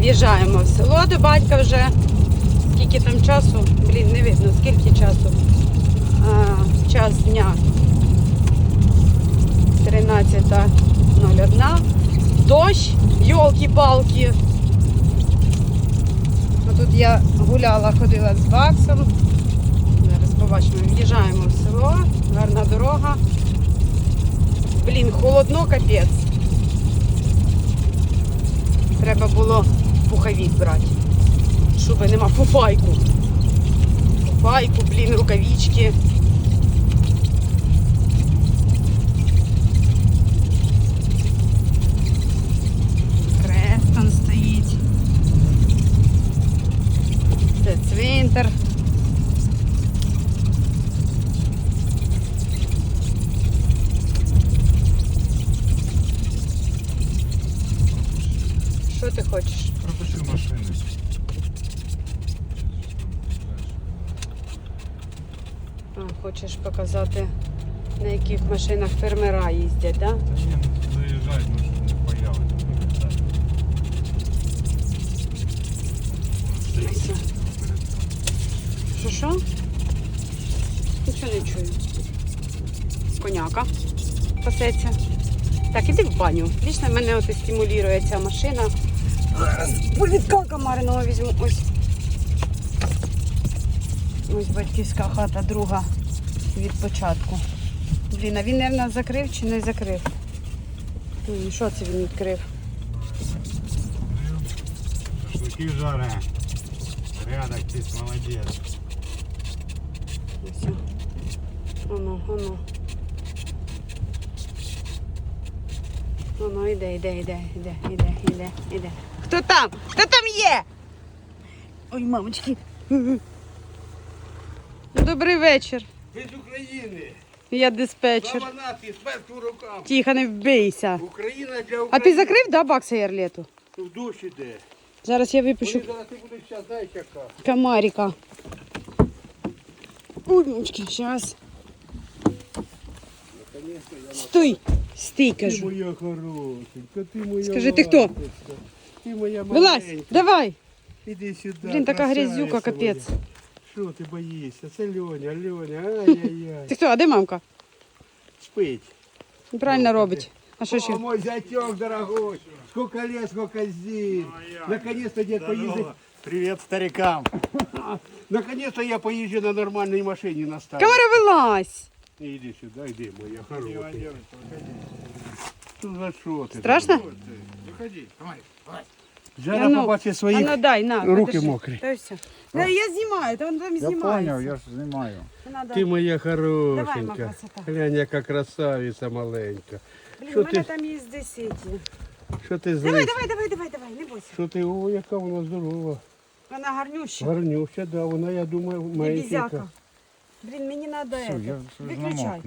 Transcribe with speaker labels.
Speaker 1: Під'їжджаємо в село до батька вже. Скільки там часу? Блін, не видно, скільки часу. Час дня 13:01. Дощ, йолки-палки. Тут я гуляла, ходила з Баксом. Зараз побачимо, в'їжджаємо в село, гарна дорога. Блін, холодно, капець. Треба було пуховик брати. Шуби нема, фуфайку. Фуфайку, блін, рукавички. Крест там стоїть. Це цвинтар. Що ти хочеш?
Speaker 2: Пропущу машину.
Speaker 1: Хочеш показати, на яких машинах фермера їздять, так? Да?
Speaker 2: Та ні, ну заїжджай, ну щоб не появиться.
Speaker 1: Що? Нічого не чую. Коняка пасеться. Так, іди в баню. Вічно мене от стимулює ця машина. Зараз повідка комариного візьму. Ось. Ось батьківська хата, друга від початку. Блін, а він, мабуть, закрив чи не закрив? Що це він відкрив?
Speaker 2: Шашлыки жаре. Порядок, ти молодець.
Speaker 1: Ось. Оно. Воно іде. Хто там? Хто там є? Ой, мамочки. Добрий вечір.
Speaker 3: Ви з України.
Speaker 1: Я диспетчер.
Speaker 3: Слава нації, смерть у рукам.
Speaker 1: Тихо, не вбийся.
Speaker 3: Україна для України.
Speaker 1: А ти закрив, да, Бакса Ярлету?
Speaker 3: В дощ іде.
Speaker 1: Зараз я випишу
Speaker 3: Вони зараз ти будеш зараз, знаєш яка.
Speaker 1: комарика. Ой, мамочки, зараз. Стой, стій,
Speaker 3: Ти
Speaker 1: кажу.
Speaker 3: моя хорошенька, ти моя
Speaker 1: Скажи, ти хто?
Speaker 3: ласточка, Ти моя
Speaker 1: Вилазь,
Speaker 3: маленька.
Speaker 1: давай.
Speaker 3: Іди сюди.
Speaker 1: Блін, така
Speaker 3: красавиця
Speaker 1: грязюка, капець.
Speaker 3: моя. Що ти боїшся? Це Льоня, ай-яй-яй.
Speaker 1: Ти хто, а де мамка?
Speaker 3: Спить.
Speaker 1: Правильно робить. А що ще?
Speaker 3: О, мой зятек дорогой. Сколько лет, сколько зим. Наконец-то дед поездит.
Speaker 2: Привіт старикам.
Speaker 3: Наконец-то я поезжу на нормальной машине на старой.
Speaker 1: Камера, вилазь.
Speaker 3: Иди сюда, иди, моя хорошая. Ну за що ти?
Speaker 1: Страшно?
Speaker 2: Виходи, давай.
Speaker 3: Жара побачить свої
Speaker 1: ну дай, на.
Speaker 3: руки
Speaker 1: подержи.
Speaker 3: мокрі.
Speaker 1: Та й все. Да, я знімаю, то він там
Speaker 2: Я
Speaker 1: знімається.
Speaker 2: понял, я ж знімаю.
Speaker 1: Надо.
Speaker 3: Ти моя
Speaker 1: Давай, моя
Speaker 3: хорошенька.
Speaker 1: красота.
Speaker 3: Глянь, яка красавиця маленька.
Speaker 1: Блін,
Speaker 3: Що
Speaker 1: у мене
Speaker 3: ти?
Speaker 1: там є 10.
Speaker 3: Що ти
Speaker 1: Давай,
Speaker 3: злий?
Speaker 1: давай, не бойся.
Speaker 3: Що ти? О, яка вона здорова.
Speaker 1: Вона гарнюща.
Speaker 3: Гарнюща, да, вона, я думаю,
Speaker 1: І
Speaker 3: маленька.
Speaker 1: бізяка. Блін, мені треба
Speaker 2: Все, я
Speaker 1: виключай.
Speaker 2: намок.